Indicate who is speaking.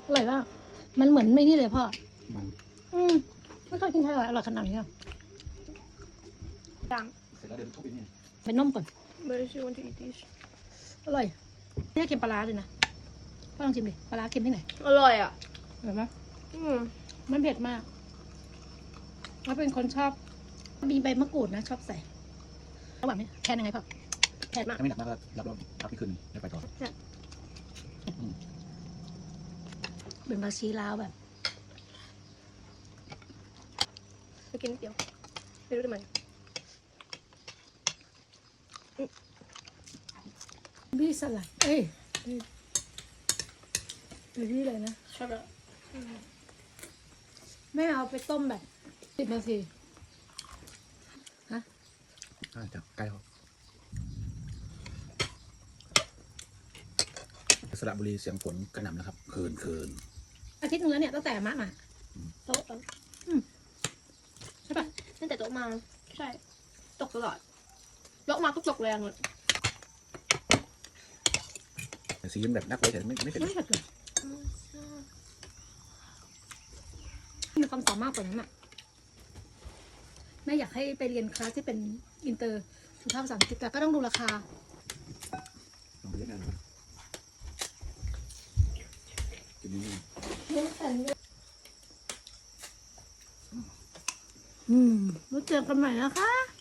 Speaker 1: อร่อยมากมันเหมือนไม่นี่เลยพ่อ
Speaker 2: มัน
Speaker 1: ไม่เคยกินไทยอร่อยขนาดนี้อ่ะ
Speaker 3: ดัง
Speaker 2: เสร็จแล้วเดี๋ยวทุบอีกนี่
Speaker 1: เป็นนมก่อน
Speaker 3: But she want to eat this
Speaker 1: อร่อยนี่เค็มปลาร้าเลยนะพ่อลองชิมดิปลาร้าเค็มที่ไหน
Speaker 3: อร่อยอ่ะ
Speaker 1: เห็นไหม
Speaker 3: อืม
Speaker 1: มันเผ็ดมากแล้วเป็นคนชอบมีใบมะกรูดนะชอบใส่ระหว่างนี้แค่ยังไงพ่อแค่มาก
Speaker 2: ถ้าไม่หนักมากก็รับรองพักที่คืนได้ไปต่อ
Speaker 1: เป็นบาชีลาวแบบ
Speaker 3: ไปกินนิดเดียวไม่รู้ทำไม
Speaker 1: บี้สลัดเอ้ยบี้เลยนะ
Speaker 3: ชอบแล้ว
Speaker 1: ไม่เอาไปต้มแบบ10 นาที
Speaker 2: จับใกล้เขาสระบุรีเสียงฝนกระหน่ำนะครับคืน
Speaker 1: อาทิตย์นึงแล้วเนี่ยตั้งแต่มะมาโต๊ะใช่ปะ
Speaker 3: ตั้งแต่โต๊ะมาใช่ตกตลอดยกมาก็ตกแรงเลย
Speaker 2: แต่สีมันแบบนักไว้แต่ไม่เผ็ด
Speaker 1: ไม่เผ็ดเลยมีความสามารถกว่านั้นอ่ะแม่อยากให้ไปเรียนคลาสที่เป็นอินเตอร์สุภาพภาษาอังกฤษแต่ก็ต้องดูราคา
Speaker 2: ลองไปเล่นกันนะครับกินนี่
Speaker 1: แล้วเจอกันใหม่นะคะ